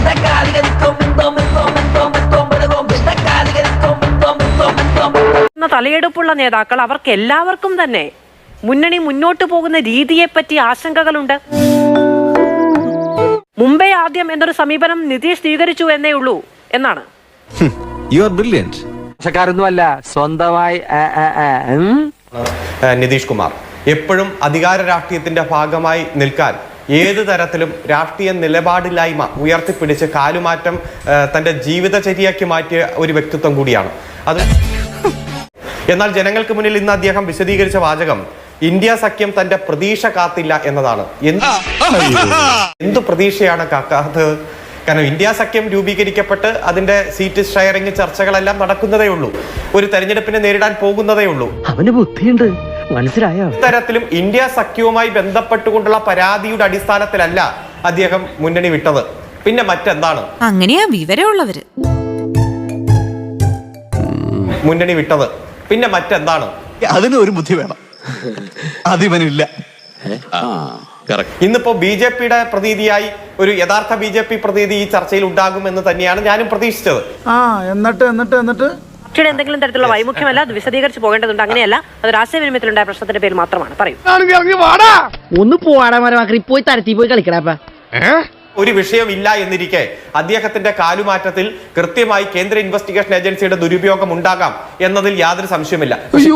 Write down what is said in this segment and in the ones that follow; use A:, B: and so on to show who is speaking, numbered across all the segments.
A: തലയെടുപ്പുള്ള നേതാക്കൾ അവർക്ക് എല്ലാവർക്കും തന്നെ മുന്നണി മുന്നോട്ട് പോകുന്ന രീതിയെപ്പറ്റി ആശങ്കകളുണ്ട്. മുംബൈ ആദ്യം എന്നൊരു സമീപനം നിതീഷ് സ്വീകരിച്ചു എന്നേ ഉള്ളൂ എന്നാണ്.
B: സ്വന്തമായി
C: നിതീഷ് കുമാർ എപ്പോഴും അധികാര രാഷ്ട്രീയത്തിന്റെ ഭാഗമായി നിൽക്കാൻ ഏത് തരത്തിലും രാഷ്ട്രീയ നിലപാടില്ലായ്മ ഉയർത്തിപ്പിടിച്ച് കാലുമാറ്റം തന്റെ ജീവിതചര്യയാക്കി മാറ്റിയ ഒരു വ്യക്തിത്വം കൂടിയാണ് അത്. എന്നാൽ ജനങ്ങൾക്ക് മുന്നിൽ ഇന്ന് അദ്ദേഹം വിശദീകരിച്ച വാചകം ഇന്ത്യ സഖ്യം തന്റെ പ്രതീക്ഷ കാത്തില്ല എന്നതാണ്. എന്ത് പ്രതീക്ഷയാണ് കാക്കാത്തത്? കാരണം ഇന്ത്യ സഖ്യം രൂപീകരിക്കപ്പെട്ട് അതിന്റെ സീറ്റ് ഷെയറിംഗ് ചർച്ചകളെല്ലാം നടക്കുന്നതേ ഉള്ളൂ. ഒരു തെരഞ്ഞെടുപ്പിനെ നേരിടാൻ പോകുന്നതേ ഉള്ളൂ.
B: അവന് ബുദ്ധിയുണ്ട്, മനസ്സിലായോ?
C: ഇത്തരത്തിലും ഇന്ത്യ സഖ്യവുമായി ബന്ധപ്പെട്ടുകൊണ്ടുള്ള പരാതിയുടെ അടിസ്ഥാനത്തിലല്ല അദ്ദേഹം മുന്നണി വിട്ടത്. പിന്നെ മറ്റെന്താണ്
D: അങ്ങനെയാ വിവരമുള്ളവര്
C: മുന്നണി വിട്ടത്? പിന്നെ മറ്റെന്താണ്?
E: അതിന് ഒരു ബുദ്ധി വേണം, അതിവനില്ല.
C: ഇന്നിപ്പോ ബി ജെ പിയുടെ പ്രതീതിയായി ഒരു യഥാർത്ഥ ബി ജെ പി പ്രതീതി ഈ ചർച്ചയിൽ ഉണ്ടാകുമെന്ന് തന്നെയാണ് ഞാനും പ്രതീക്ഷിച്ചത്.
A: എന്നിട്ട് പക്ഷേ എന്തെങ്കിലും തരത്തിലുള്ള വൈമുഖ്യമല്ല, അത് വിശദീകരിച്ച് പോകേണ്ടതുണ്ട്. അങ്ങനെയല്ല, അത് ആശയവിനിമയത്തിലുണ്ടായ പ്രശ്നത്തിന്റെ പേര് മാത്രമാണ്. പറയൂ.
B: ഒന്ന് പോയി തരത്തി പോയി കളിക്കടാ.
C: ഒരു വിഷയമില്ല എന്നിരിക്കെ അദ്ദേഹത്തിന്റെ കാലുമാറ്റത്തിൽ കൃത്യമായി കേന്ദ്ര ഇൻവെസ്റ്റിഗേഷൻ ഏജൻസിയുടെ ദുരുപയോഗം ഉണ്ടാകാം എന്നതിൽ യാതൊരു സംശയമില്ല.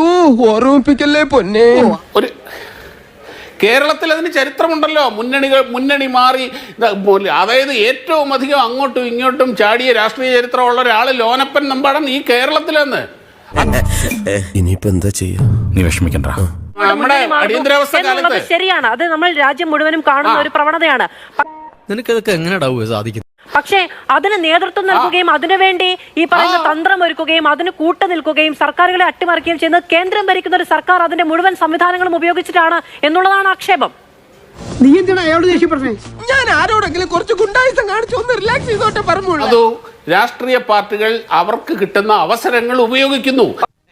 F: ഒരു കേരളത്തിൽ അതിന് ചരിത്രമുണ്ടല്ലോ. മുന്നണി മാറി, അതായത് ഏറ്റവും അധികം അങ്ങോട്ടും ഇങ്ങോട്ടും ചാടിയ രാഷ്ട്രീയ ചരിത്രമുള്ള ഒരാള് ലോനപ്പൻ നമ്പാടൻ ഈ കേരളത്തിലെന്ന്.
G: ഇനിയിപ്പോ എന്താ ചെയ്യാ? നീ വിഷമിക്കണ്ട.
F: നമ്മുടെ അടിയന്തരാവസ്ഥ കാലത്ത്
A: ശരിയാണ്, അത് നമ്മൾ രാജ്യം മുഴുവനും കാണുന്ന ഒരു പ്രവണതയാണ്.
G: നിനക്കതൊക്കെ എങ്ങനെയാ സാധിക്കുന്നത്?
A: പക്ഷേ അതിന് നേതൃത്വം നൽകുകയും അതിനുവേണ്ടി ഈ പറയുന്ന തന്ത്രം ഒരുക്കുകയും അതിന് കൂട്ടു നിൽക്കുകയും സർക്കാരുകളെ അട്ടിമറിക്കുകയും ചെയ്യുന്നത് കേന്ദ്രം ഭരിക്കുന്ന ഒരു സർക്കാർ അതിന്റെ മുഴുവൻ സംവിധാനങ്ങളും ഉപയോഗിച്ചിട്ടാണ് എന്നുള്ളതാണ് ആക്ഷേപം.
B: നീ എന്തിനാ അയാളോട് ദേഷ്യപ്പെട്ടേ? ഞാൻ ആരോടെങ്കിലും കുറച്ച് ഗുണ്ടായിസം കാണിച്ചു ഒന്ന് റിലാക്സ് ചെയ്തോട്ടെ പറഞ്ഞു.
F: അതോ രാഷ്ട്രീയ പാർട്ടികൾ അവർക്ക് കിട്ടുന്ന അവസരങ്ങൾ ഉപയോഗിക്കുന്നു.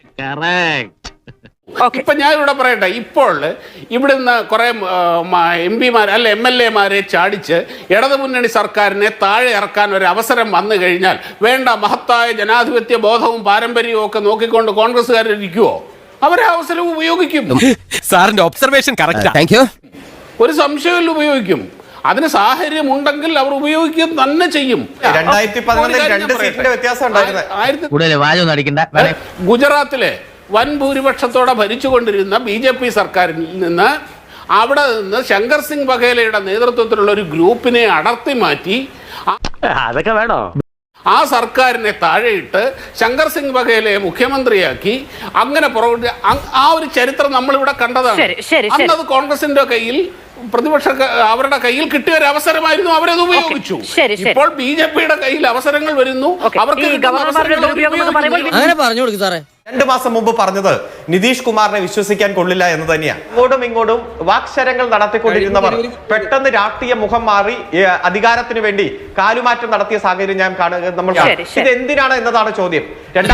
F: ഇപ്പൊ ഞാൻ ഇവിടെ പറയട്ടെ, ഇപ്പോൾ ഇവിടുന്ന് കുറെ MP-മാർ അല്ല MLA-മാരെ ചാടിച്ച് ഇടതുമുന്നണി സർക്കാരിനെ താഴെ ഇറക്കാൻ ഒരു അവസരം വന്നു കഴിഞ്ഞാൽ വേണ്ട മഹത്തായ ജനാധിപത്യ ബോധവും പാരമ്പര്യവും ഒക്കെ നോക്കിക്കൊണ്ട് കോൺഗ്രസ്സുകാരിക്കുവോ? അവരെ അവസരം ഉപയോഗിക്കും.
G: സാറിന്റെ ഒബ്സർവേഷൻ കറക്റ്റ്.
F: ഒരു സംശയമില്ല, ഉപയോഗിക്കും. അതിന് സാഹചര്യം ഉണ്ടെങ്കിൽ അവർ ഉപയോഗിക്കുക തന്നെ ചെയ്യും.
C: 2011 2 സീറ്റിന്റെ വ്യത്യാസം ഉണ്ടായിരുന്നു.
F: ഗുജറാത്തിലെ വൻ ഭൂരിപക്ഷത്തോടെ ഭരിച്ചുകൊണ്ടിരുന്ന BJP സർക്കാരിൽ നിന്ന് അവിടെ നിന്ന് ശങ്കർ സിംഗ് വഘേലയുടെ നേതൃത്വത്തിലുള്ള ഒരു ഗ്രൂപ്പിനെ അടർത്തി മാറ്റി
B: അതൊക്കെ വേണോ?
F: ആ സർക്കാരിനെ താഴെയിട്ട് ശങ്കർ സിംഗ് വഘേലയെ മുഖ്യമന്ത്രിയാക്കി അങ്ങനെ ആ ഒരു ചരിത്രം നമ്മളിവിടെ കണ്ടതാണ്. അന്നത് കോൺഗ്രസിന്റെ കയ്യിൽ, പ്രതിപക്ഷ അവരുടെ കയ്യിൽ കിട്ടിയ ഒരു അവസരമായിരുന്നു, അവരത് ഉപയോഗിച്ചു. ഇപ്പോൾ BJP-യുടെ കയ്യിൽ അവസരങ്ങൾ വരുന്നു, അവർക്ക്
G: അങ്ങനെ പറഞ്ഞു കൊടുക്കും സാറേ.
C: 2 മാസം മുമ്പ് പറഞ്ഞത് നിതീഷ് കുമാറിനെ വിശ്വസിക്കാൻ കൊള്ളില്ല എന്ന് തന്നെയാണ്. ഇങ്ങോട്ടും വാക്ശരങ്ങൾ നടത്തിക്കൊണ്ടിരുന്നവർ പെട്ടെന്ന് രാഷ്ട്രീയ മുഖം മാറി അധികാരത്തിന് വേണ്ടി കാലുമാറ്റം നടത്തിയ സാഹചര്യം ഞാൻ നമ്മൾ ഇത് എന്തിനാണ് എന്നതാണ് ചോദ്യം.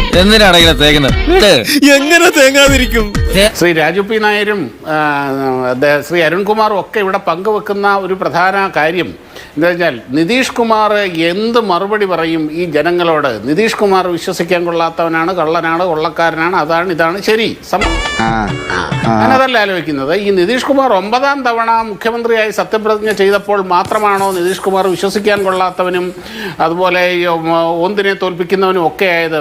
G: എങ്ങനെ തേങ്ങാതിരിക്കും?
F: ശ്രീ രാജു പി നായരും ശ്രീ അരുൺകുമാറും ഒക്കെ ഇവിടെ പങ്കുവെക്കുന്ന ഒരു പ്രധാന കാര്യം എന്താ വെച്ചാൽ, നിതീഷ് കുമാർ എന്ത് മറുപടി പറയും ഈ ജനങ്ങളോട്? നിതീഷ് കുമാർ വിശ്വസിക്കാൻ കൊള്ളാത്തവനാണ്, കള്ളനാണ്, കൊള്ളക്കാരനാണ്, അതാണ് ഇതാണ് ശരി. ഞാനതല്ല ആലോചിക്കുന്നത്. ഈ നിതീഷ് കുമാർ 9ാം തവണ മുഖ്യമന്ത്രിയായി സത്യപ്രതിജ്ഞ ചെയ്തപ്പോൾ മാത്രമാണോ നിതീഷ് കുമാർ വിശ്വസിക്കാൻ കൊള്ളാത്തവനും അതുപോലെ ഒന്നിനെ തോൽപ്പിക്കുന്നവനും ഒക്കെ ആയത്?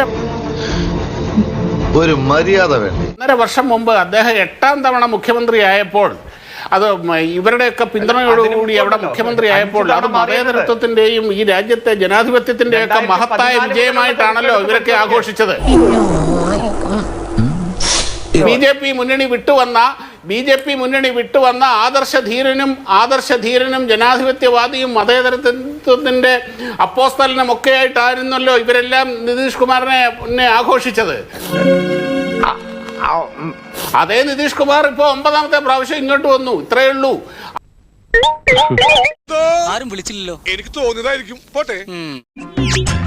E: ഒരു മര്യാദ വേണ്ടി
F: 1.5 വർഷം മുമ്പ് അദ്ദേഹം 8ാം തവണ മുഖ്യമന്ത്രി ആയപ്പോൾ, അത് ഇവരുടെയൊക്കെ പിന്തുണയോടുകൂടി അവിടെ മുഖ്യമന്ത്രി ആയപ്പോൾ, അത് മതേതരത്വത്തിന്റെയും ഈ രാജ്യത്തെ ജനാധിപത്യത്തിന്റെയും ഒക്കെ മഹത്തായ വിജയമായിട്ടാണല്ലോ ഇവരൊക്കെ ആഘോഷിച്ചത്. BJP മുന്നണി വിട്ടുവന്ന ആദർശധീരനും ജനാധിപത്യവാദിയും മതേതരത്വത്തിന്റെ അപ്പോസ്തലനും ഒക്കെ ആയിട്ടായിരുന്നല്ലോ ഇവരെല്ലാം നിതീഷ് കുമാറിനെ ആഘോഷിച്ചത്. അതേ നിതീഷ് കുമാർ ഇപ്പൊ 9ാമത്തെ പ്രാവശ്യം ഇങ്ങോട്ട് വന്നു, ഇത്രയേ ഉള്ളൂ.
G: ആരും വിളിച്ചില്ലല്ലോ, എനിക്ക് തോന്നിയതായിരിക്കും. പോട്ടെ.